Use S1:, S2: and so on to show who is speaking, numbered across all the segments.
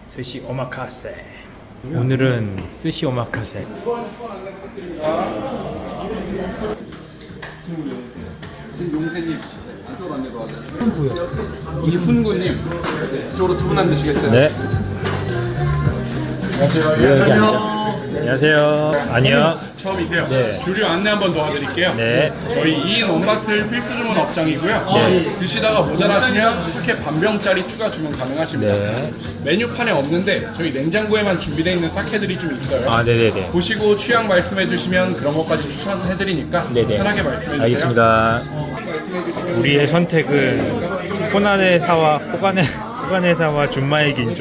S1: 스시 오마카세. 오늘은 스시 오마카세.
S2: 용세님 이쪽으로 안내 도와드릴게요. 이훈구님 이쪽으로 두 분 앉으시겠어요?
S1: 네. 안녕하세요. 안녕하세요. 아니요.
S3: 처음이세요?
S1: 네.
S3: 주류 안내 한번 도와드릴게요.
S1: 네.
S3: 저희 2인 원마트 필수 주문 업장이고요.
S1: 네.
S3: 드시다가 모자라시면 사케 반병짜리 추가 주문 가능하십니다.
S1: 네.
S3: 메뉴판에 없는데 저희 냉장고에만 준비되어 있는 사케들이 좀 있어요.
S1: 아, 네네네.
S3: 보시고 취향 말씀해 주시면 그런 것까지 추천해드리니까
S1: 네네.
S3: 편하게 말씀해 주세요.
S1: 알겠습니다. 우리의 선택은 호난의사와 호간의사와 준마의 긴조.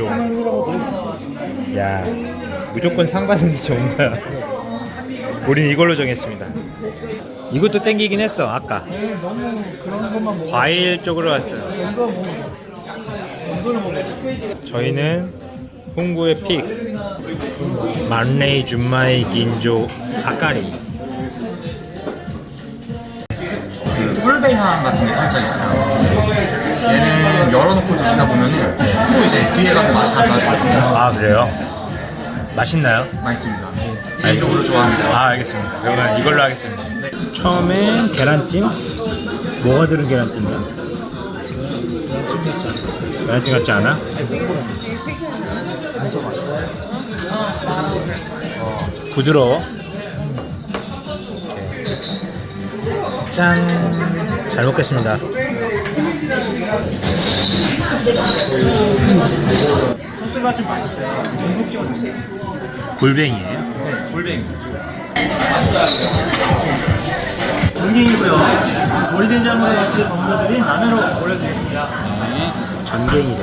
S1: 야, 무조건 상 받는 게 좋은 거야. 우린 이걸로 정했습니다. 이것도 땡기긴 했어 아까. 과일 쪽으로 왔어요. 저희는 홍구의 픽 만레이 준마의 긴조 아까리.
S4: 꿀배 향 같은 게 살짝 있어요. 얘는 열어놓고 드시다 보면은 또 이제 뒤에 가서 맛이 달라져요.
S1: 아, 그래요? 맛있나요?
S4: 맛있습니다. 개인적으로 좋아합니다.
S1: 아, 알겠습니다. 그러면 이걸로 하겠습니다. 처음엔 계란찜? 뭐가 들은 계란찜이야? 계란찜 같지 않아? 부드러워. 짠! 잘 먹겠습니다.
S5: 소스가 좀 맛있어요. 전복 찍어주세요.
S1: 골뱅이에요?
S5: 네, 골뱅이. 전갱이고요. 머리된장으로 같이 버무려드린 라면으로 올려드리겠습니다.
S1: 전갱이래.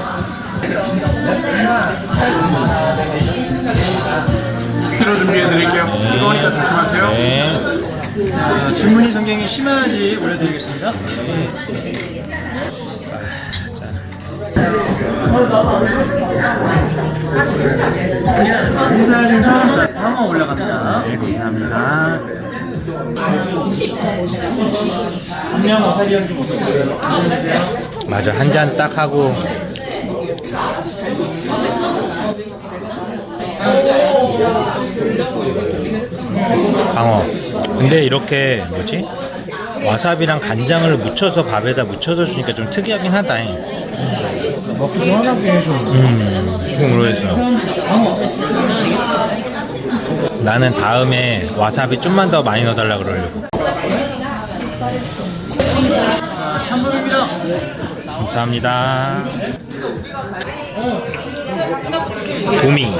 S3: 새로 준비해드릴게요. 뜨거우니까 조심하세요.
S1: 네.
S5: 자, 주문이 전갱이 심해야지 올려드리겠습니다. 인사해주셔서 자, 광어 올라갑니다.
S1: 네, 감사합니다.
S5: 분명 와사비 향좀 어떠세요? 괜찮으세요?
S1: 맞아, 한 잔 딱 하고. 광어. 근데 이렇게 뭐지? 와사비랑 간장을 묻혀서 밥에다 묻혀서 주니까 좀 특이하긴 하다.
S5: 먹기 시원하게 해줘.
S1: 이거 모르겠어. 나는 다음에 와사비 좀만 더 많이 넣어달라 그러려고.
S5: 참물입니다.
S1: 감사합니다. 도미.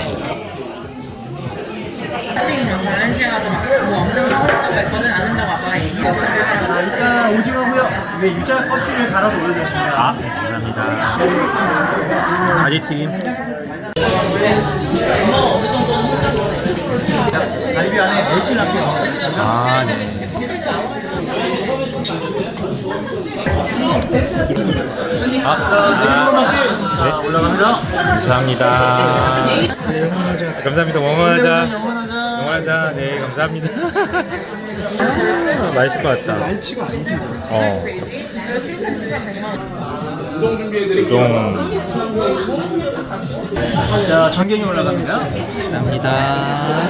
S6: 다른 시에 가서 뭐 엄청 사고 싶다고 했거든. 안 한다고 아빠가 얘기했어.
S5: 자, 일단 오징어고요. 위에 유자 껍질을 갈아서 올려주겠습니다.
S1: 아, 감사합니다. 가지튀김.
S5: 갈비 안에 매실 함께 넣어주겠습니다.
S1: 아, 네.
S5: 자, 올라갑니다.
S1: 감사합니다. 감사합니다. 원원하자.
S5: 영원하자.
S1: 원원하자. 네, 감사합니다. 맛있을 것 같다.
S5: 날치가 아니지.
S3: 우동 준비해드릴게요.
S1: 우동.
S5: 자, 전갱이 올라갑니다.
S1: 감사합니다.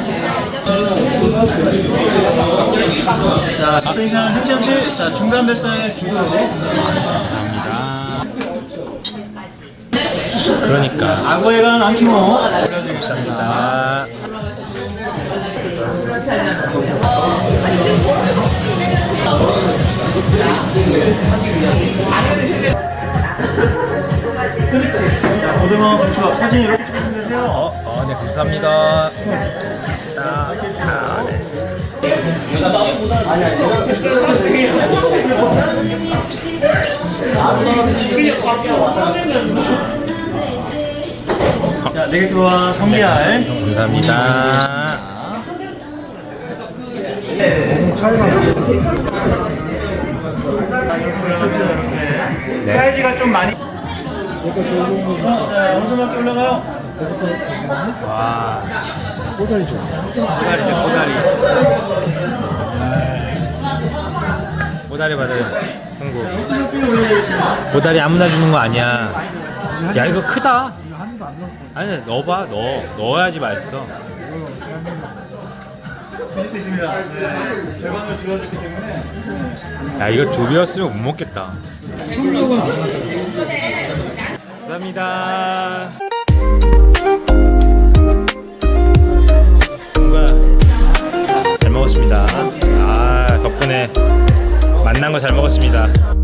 S5: 자, 스페이션 특참치. 자, 중간 뱃살 주도로.
S1: 감사합니다. 그러니까.
S5: 악어에 간 안키모 올려드리겠습니다.
S1: 아,
S5: 자, 고등어 부추 사진 이렇게 찍어주면 되세요.
S1: 네, 감사합니다.
S5: 자, 네게티브와 성게알.
S1: 감사합니다. 네.
S5: 사이즈가 좀 많이. 자, 어느 정도 올라가요?
S1: 와.
S5: 꼬다리죠.
S1: 꼬다리죠, 꼬다리. 꼬다리 받아요, 한국. 꼬다리 아무나 주는 거 아니야. 야 이거 크다. 아니 넣어봐. 넣어야지 맛있어.
S5: 드실 수 있습니다. 네. 절반을 줄여줬기 때문에.
S1: 야 이거 두 배였으면 못 먹겠다. 감사합니다. 뭔가 잘 먹었습니다. 아 덕분에 만난 거 잘 먹었습니다.